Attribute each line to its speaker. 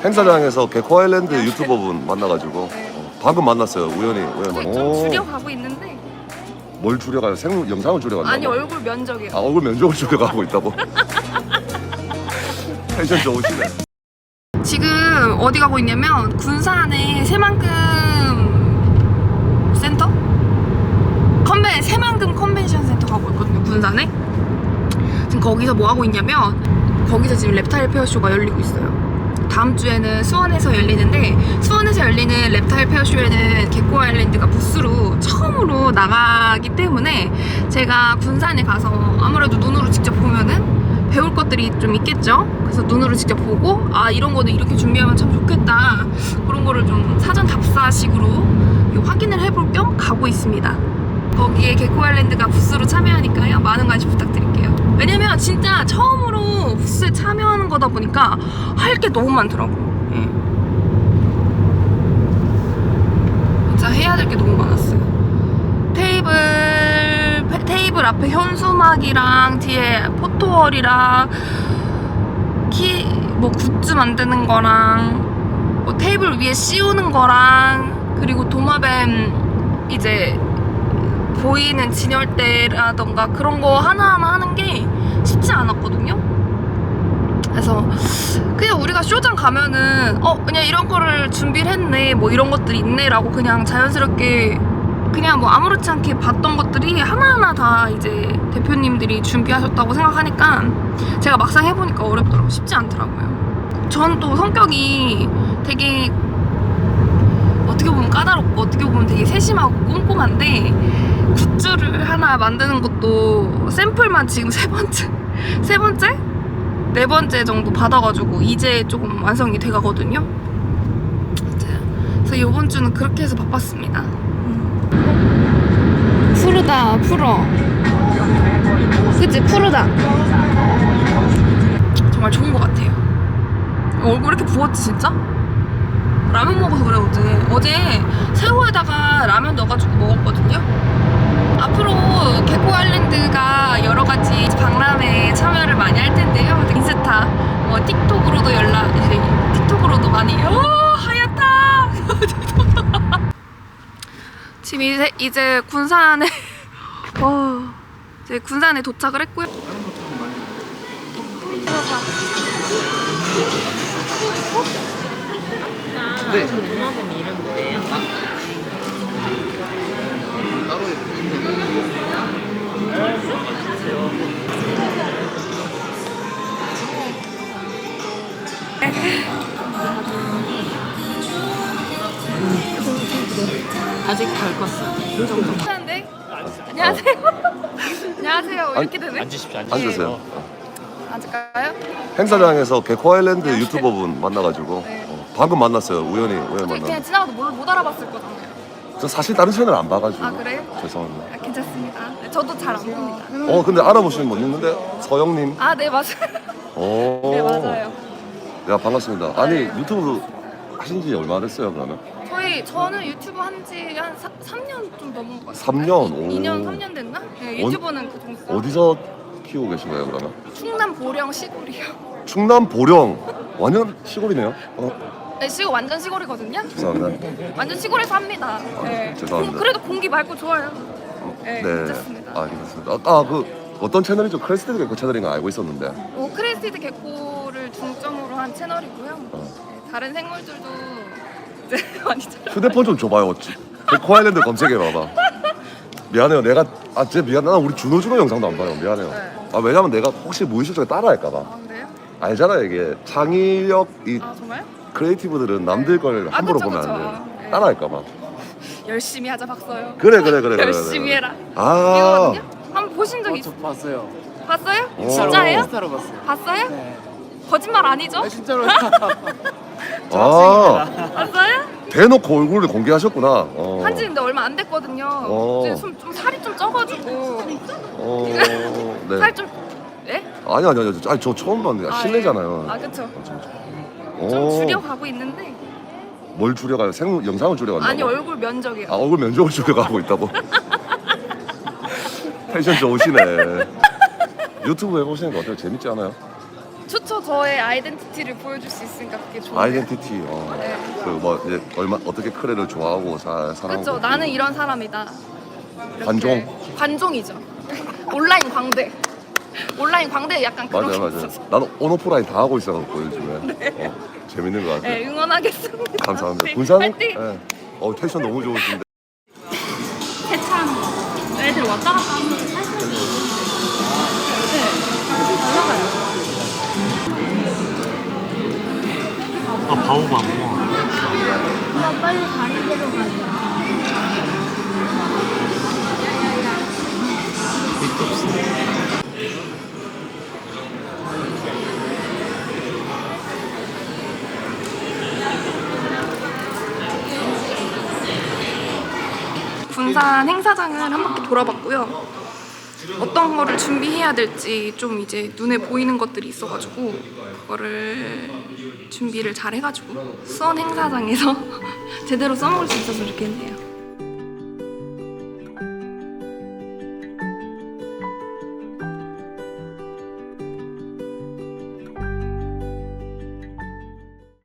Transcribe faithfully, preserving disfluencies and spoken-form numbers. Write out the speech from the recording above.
Speaker 1: 행사장에서 개코 아일랜드 유튜버분 만나가지고 어, 방금 만났어요. 우연히 우연히
Speaker 2: 거의
Speaker 1: 만.
Speaker 2: 좀
Speaker 1: 오,
Speaker 2: 줄여가고 있는데.
Speaker 1: 뭘 줄여가요? 생 영상을 줄여간다고?
Speaker 2: 아니 얼굴 면적이요.
Speaker 1: 아 얼굴 면적을 줄여가고 있다고? 텐션 좋으시네.
Speaker 2: 지금 어디 가고 있냐면 군산에 새만금 센터? 컨벤 새만금 컨벤션 센터 가고 있거든요. 군산에. 지금 거기서 뭐 하고 있냐면 거기서 지금 랩타일 페어쇼가 열리고 있어요. 다음 주에는 수원에서 열리는데 수원에서 열리는 랩타일 페어쇼에는 개코 아일랜드가 부스로 처음으로 나가기 때문에 제가 군산에 가서 아무래도 눈으로 직접 보면은 배울 것들이 좀 있겠죠. 그래서 눈으로 직접 보고 아 이런 거는 이렇게 준비하면 참 좋겠다 그런 거를 좀 사전 답사식으로 확인을 해볼 겸 가고 있습니다. 거기에 개코 아일랜드가 부스로 참여하니까요 많은 관심 부탁드릴게요. 왜냐면 진짜 처음으로 부스에 참여하는 거다 보니까 할 게 너무 많더라고. 응. 진짜 해야 될 게 너무 많았어요. 테이블 테이블 앞에 현수막이랑 뒤에 포토월이랑 키 뭐 굿즈 만드는 거랑 뭐 테이블 위에 씌우는 거랑 그리고 도마뱀 이제 보이는 진열대라던가 그런 거 하나하나 하는 게 쉽지 않았거든요. 그래서 그냥 우리가 쇼장 가면은 어 그냥 이런 거를 준비를 했네 뭐 이런 것들이 있네 라고 그냥 자연스럽게 그냥 뭐 아무렇지 않게 봤던 것들이 하나하나 다 이제 대표님들이 준비하셨다고 생각하니까 제가 막상 해보니까 어렵더라고요. 쉽지 않더라고요. 전 또 성격이 되게 어떻게 보면 까다롭고 어떻게 보면 되게 세심하고 꼼꼼한데 굿즈를 하나 만드는 것도 샘플만 지금 세 번째 세 번째? 네 번째 정도 받아가지고 이제 조금 완성이 돼가거든요. 그래서 이번 주는 그렇게 해서 바빴습니다. 푸르다 풀어 그치 푸르다 정말 좋은 것 같아요. 얼굴 이렇게 부었지 진짜? 라면 먹어서 그래 어제 어제 새우에다가 라면 넣어가지고 먹었거든요. 앞으로 개코 아일랜드가 여러 가지 박람회에 참여를 많이 할 텐데요. 인스타, 뭐 틱톡으로도 연락, 이제 틱톡으로도 많이 오 하얗다. 지금 이제 이제 군산에 어 이제 군산에 도착을 했고요.
Speaker 3: 네. 도마뱀 이름 뭐예요? 아직 덜 컸어.
Speaker 2: 괜찮은데? 안녕하세요. 안녕하세요. 이렇게 되네.
Speaker 3: 앉으십시오.
Speaker 1: 앉으세요.
Speaker 2: 앉을까요?
Speaker 1: 행사장에서 개코 아일랜드 유튜버분 만나가지고
Speaker 2: 네.
Speaker 1: 어, 방금 만났어요. 우연히 우연히
Speaker 2: 어차피 그냥
Speaker 1: 만나.
Speaker 2: 지나가도 뭘 못 알아봤을 거잖아요.
Speaker 1: 저 사실 다른 채널 안 봐가지고.
Speaker 2: 아, 그래요?
Speaker 1: 죄송합니다.
Speaker 2: 아, 괜찮습니다. 네, 저도 잘 안 봅니다.
Speaker 1: 어 근데 알아보시는 분 있는데 서영님.
Speaker 2: 아, 네 맞아요.
Speaker 1: 오.
Speaker 2: 네 맞아요.
Speaker 1: 야 반갑습니다. 아니
Speaker 2: 네.
Speaker 1: 유튜브 하신 지 얼마 됐어요 그러면?
Speaker 2: 저희 저는 유튜브 한지 한 삼 년 좀 넘은 것 같아요.
Speaker 1: 삼 년? 오.
Speaker 2: 이 년 삼 년 됐나? 네, 유튜브는 그 정도.
Speaker 1: 어디서 키우고 계신 거예요 그러면?
Speaker 2: 충남 보령 시골이요.
Speaker 1: 충남 보령. 완전 시골이네요. 어
Speaker 2: 네, 시골 완전 시골이거든요.
Speaker 1: 죄송합니다.
Speaker 2: 완전 시골에서 합니다. 네.
Speaker 1: 죄송합니다.
Speaker 2: 공- 그래도 공기 맑고 좋아요. 네, 괜찮습니다.
Speaker 1: 아 괜찮습니다. 아까 그 어떤 채널이죠? 크레스티드 개코 채널인 거 알고 있었는데.
Speaker 2: 뭐 크레스티드 개코를 중점으로 한 채널이고요.
Speaker 1: 어.
Speaker 2: 네, 다른 생물들도 이제 많이 잘.
Speaker 1: 휴대폰 좀 줘봐요. 어찌. 개코 아일랜드 검색해봐봐. 미안해요. 내가 아 진짜 미안. 나 우리 준호 준호 영상도 안 봐요. 미안해요.
Speaker 2: 네.
Speaker 1: 아 왜냐면 내가 혹시 무의식 중에 따라할까봐.
Speaker 2: 아 그래요?
Speaker 1: 알잖아요 이게 창의력 이
Speaker 2: 아 정말?
Speaker 1: 크리에이티브들은 남들 걸
Speaker 2: 아,
Speaker 1: 함부로
Speaker 2: 그쵸,
Speaker 1: 보면
Speaker 2: 그쵸.
Speaker 1: 안 돼.
Speaker 2: 네.
Speaker 1: 따라할까봐.
Speaker 2: 열심히 하자 박서요.
Speaker 1: 그래 그래 그래. 그래,
Speaker 2: 열심히
Speaker 1: 그래.
Speaker 2: 해라.
Speaker 1: 아.
Speaker 2: 이거거든요? 한번 보신 적
Speaker 4: 어,
Speaker 2: 있...
Speaker 4: 저 봤어요.
Speaker 2: 봤어요?
Speaker 1: 오.
Speaker 2: 진짜예요?
Speaker 4: 인스타로 봤어요.
Speaker 2: 봤어요?
Speaker 4: 네.
Speaker 2: 거짓말 아니죠?
Speaker 4: 아, 진짜로.
Speaker 1: 아.
Speaker 2: 봤어요?
Speaker 1: 대놓고 얼굴을 공개하셨구나. 어.
Speaker 2: 한지 근데 얼마 안 됐거든요.
Speaker 1: 어.
Speaker 2: 이제 좀, 좀 살이 좀 쪄가지고
Speaker 1: 어. 네.
Speaker 2: 살 좀... 예?
Speaker 1: 아니 아니 아니. 아니 저 처음 봤는데
Speaker 2: 아,
Speaker 1: 실례잖아요.
Speaker 2: 예. 아 그쵸.
Speaker 1: 오.
Speaker 2: 좀 줄여가고 있는데
Speaker 1: 뭘 줄여가요? 생 영상을 줄여간다고?
Speaker 2: 아니 얼굴 면적이요.
Speaker 1: 아 얼굴 면적을 줄여가고 있다고? 텐션 좋으시네. 유튜브 해보시는 거 어때요? 재밌지 않아요?
Speaker 2: 좋죠. 좋죠. 저의 아이덴티티를 보여줄 수 있으니까 그게 좋아요.
Speaker 1: 아이덴티티. 어.
Speaker 2: 네.
Speaker 1: 그뭐 이제 얼마 어떻게 크레를 좋아하고 사 사랑하고.
Speaker 2: 그렇죠. 나는 이런 사람이다. 이렇게.
Speaker 1: 관종.
Speaker 2: 관종이죠. 온라인 광대. 온라인 광대 약간 그런
Speaker 1: 맞아
Speaker 2: 게
Speaker 1: 맞아.
Speaker 2: 있어서.
Speaker 1: 나는 온오프라인 다 하고 있어갖고 요즘에.
Speaker 2: 네.
Speaker 1: 어, 재밌는 것 같아.
Speaker 2: 네, 응원하겠습니다.
Speaker 1: 감사합니다.
Speaker 2: 네,
Speaker 1: 군산.
Speaker 2: 화이팅!
Speaker 1: 네. 어 텐션 너무 좋으신데.
Speaker 3: 세차하는 거. 애들 왔다 갔다 하면 살살 네, 날라가요.
Speaker 4: 아 바오바 뭐.
Speaker 3: 엄마 빨리 다리 데려가자.
Speaker 2: 군산 행사장을 한 바퀴 돌아봤고요. 어떤 거를 준비해야 될지 좀 이제 눈에 보이는 것들이 있어가지고 그거를 준비를 잘 해가지고 수원 행사장에서 제대로 써먹을 수 있어서 좋겠네요.